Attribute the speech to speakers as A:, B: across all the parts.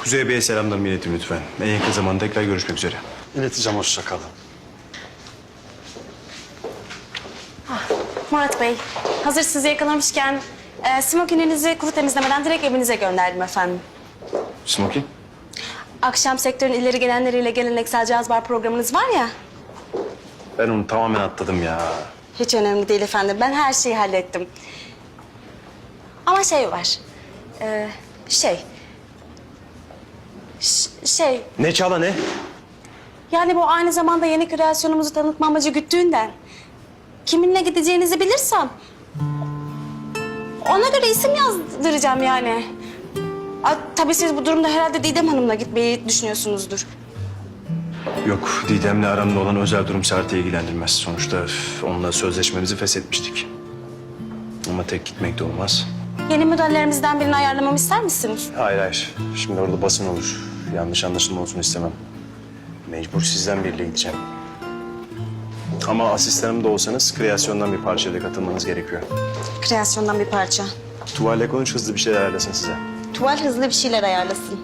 A: Kuzey Bey'e selamlarımı iletin lütfen. En yakın zamanda tekrar görüşmek üzere.
B: İleteceğim, hoşça kalın.
C: Murat Bey, hazır sizi yakalamışken smokininizi kuru temizlemeden direkt evinize gönderdim efendim.
A: Smoky?
C: Akşam sektörün ileri gelenleriyle geleneksel caz bar programınız var ya.
A: Ben onu tamamen atladım ya.
C: Hiç önemli değil efendim. Ben her şeyi hallettim. Ama şey var. Şey.
A: Ne Çağla ne?
C: Yani bu aynı zamanda yeni kreasyonumuzu tanıtma amacı güttüğünden. Kiminle gideceğinizi bilirsem ona göre isim yazdıracağım yani. Tabii siz bu durumda herhalde Didem Hanım'la gitmeyi düşünüyorsunuzdur.
A: Yok, Didem'le aramda olan özel durum Sert'i ilgilendirmez. Sonuçta onunla sözleşmemizi feshetmiştik. Ama tek gitmek de olmaz.
C: Yeni modellerimizden birini ayarlamamı ister misiniz?
A: Hayır hayır. Şimdi orada basın olur. Yanlış anlaşılma olsun istemem. Mecbur sizden biriyle gideceğim. Ama asistanım da olsanız kreasyondan bir parçayla katılmanız gerekiyor.
C: Kreasyondan bir parça.
A: Tuvalle konuş, hızlı bir şeyler ayarlasın size.
C: Tuval hızlı bir şeyler ayarlasın.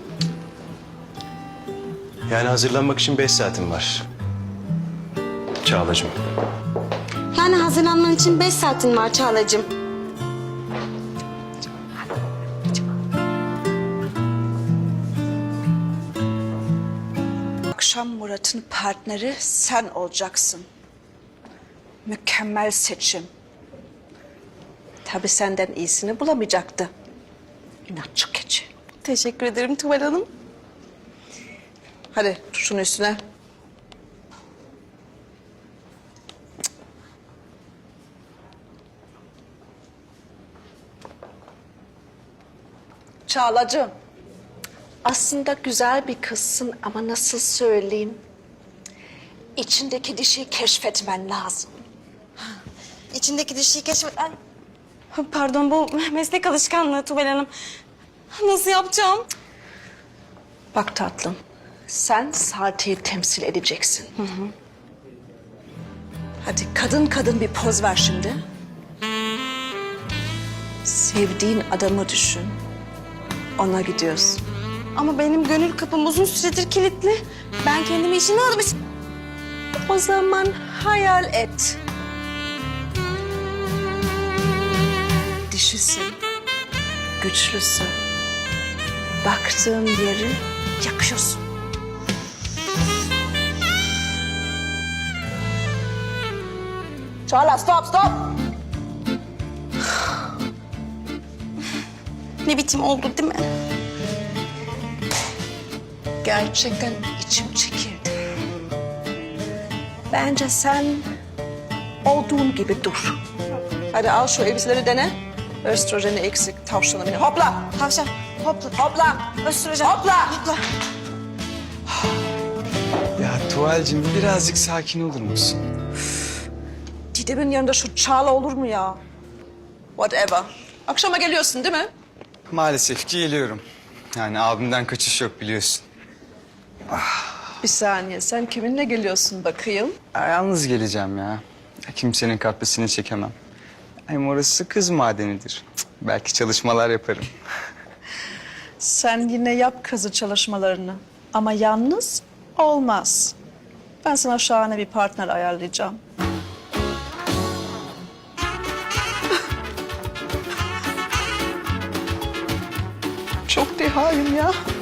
A: Yani hazırlanmak için 5 saatim var. Çağlacığım.
C: Yani hazırlanman için 5 saatin var Çağlacığım.
D: Akşam Murat'ın partneri sen olacaksın. Mükemmel seçim. Tabii senden iyisini bulamayacaktı. İnatçı keçi.
C: Teşekkür ederim Tuval Hanım.
D: Hadi tut şunu üstüne. Çağlacığım. Aslında güzel bir kızsın ama nasıl söyleyeyim? İçindeki dişiyi keşfetmen lazım.
C: İçindeki dişiyi keşfet... Ay. Pardon, bu meslek alışkanlığı Tuval Hanım. Nasıl yapacağım?
D: Bak tatlım, sen Sarte'yi temsil edeceksin. Hadi kadın kadın bir poz ver şimdi. Sevdiğin adamı düşün. Ona gidiyorsun.
C: Ama benim gönül kapım uzun süredir kilitli. Ben kendimi işine almış...
D: O zaman hayal et. Dişisin, güçlüsün. Baktığın yeri yakıyorsun. Çağla stop stop.
C: Ne biçim oldu değil mi?
D: Gerçekten içim çekildi. Bence sen olduğun gibi dur. Hadi al şu elbiseleri dene. Östrojeni eksik, tavşanı beni. Hopla!
C: Tavşan, hopla.
D: Hopla!
C: Östrojen.
D: Hopla!
C: Hopla.
B: Ya Tuval'cim birazcık sakin olur musun?
D: Didem'in yanında şu Çağla olur mu ya? Whatever. Akşama geliyorsun değil mi?
B: Maalesef ki geliyorum. Yani abimden kaçış yok biliyorsun.
D: Bir saniye, sen kiminle geliyorsun bakayım?
B: Ya, yalnız geleceğim ya. Kimsenin kapısını çekemem. Hem orası kız madenidir. Cık, belki çalışmalar yaparım.
D: Sen yine yap kazı çalışmalarını. Ama yalnız olmaz. Ben sana şahane bir partner ayarlayacağım. Çok dehayım ya.